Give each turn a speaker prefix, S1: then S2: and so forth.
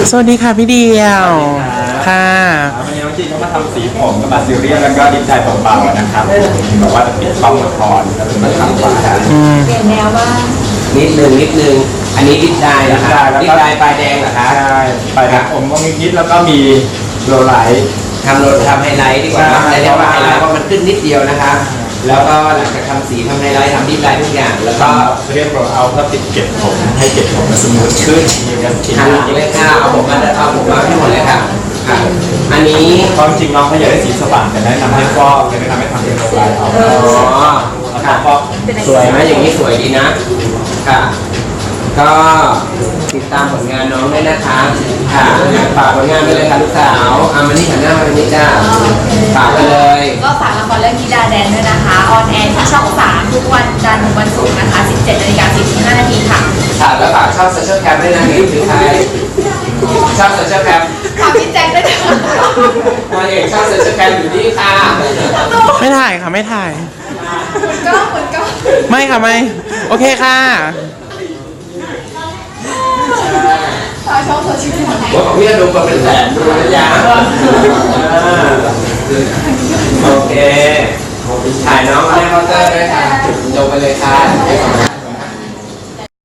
S1: สวัสดีค่ะพี่เดียวค่ะ
S2: วันนี้น้องจีก็มาทำสีผมกับบาซิเลียนแล้วก็ดินใจเบาๆนะครับบอกว่าจะปิดช่องละครแล้วเป็นมาทำว่า
S3: เปลี่ยนแนวบ้าง
S4: นิดนึงอันนี้ดิบได้เหรอครับดิบได้ปลายแดงเหรอครับ
S2: ใช่ปลายแดงผมก็มีคิดแล้วก็มีโลไลท์
S4: ทำไฮไลท์ดีกว่าแต่เรียกว่าไฮไลท์เพราะมันขึ้นนิดเดียวนะครับแล้วก็หลังจากทำสีทำไฮไลท์ทำดิบได้ทุกอย่างแล้วก็
S2: เรียกเราเอาเพื่อติดเก็บผมให้เก็บผมมันสมูทขึ้นมีการติด
S4: หันหลังเลยค่ะเอาผมมาให้หมดเลยค่ะอันนี้
S2: ความจริงน้องเขาอยากได้สีสว่างแต่แนะนำให้ฟอกเลยแนะนำให้ทำเป็นโลไลท์เอา
S4: ค่ะสวยไหมอย่างนี้สวยดีนะค่ะก็ติดตามผลงานน้องด้วยนะคะค่ะฝากผลงานไปเลยค่ะลูกสาวมานี่หันหน้ามาตรงนี้จ้าฝากไปเลย
S3: ก็ฝากละครเรื่องธิดาแดนด้วยนะคะออนแอร์ที่ช่อง 3 ทุกวันจันทร์ถึงวันศุกร์นะคะ 17:45 น.ค่ะ
S4: ค่ะแล้วฝากช่องโซเชียลแคมด้วยนะนี่คือใครช่องโซเชียลแคม
S3: ฝากพี่แจ็คด้วยนะคะ
S4: นางเอกช่องโซเชียลแคมอยู่นี่ค่ะ
S1: ไม่ถ่ายค่ะไม่ถ่าย
S3: เหมือนก็
S1: ไม่ค่ะไม่โอเคค่ะ
S3: ฝากช่องโซเชียลแคม
S4: ว่าของพี่จะดูมาเป็นแสนดูนะจ๊ะโอเคถ่ายน้องให้เคาน์เตอร์ด้วยค่ะลงไปเลยค่ะ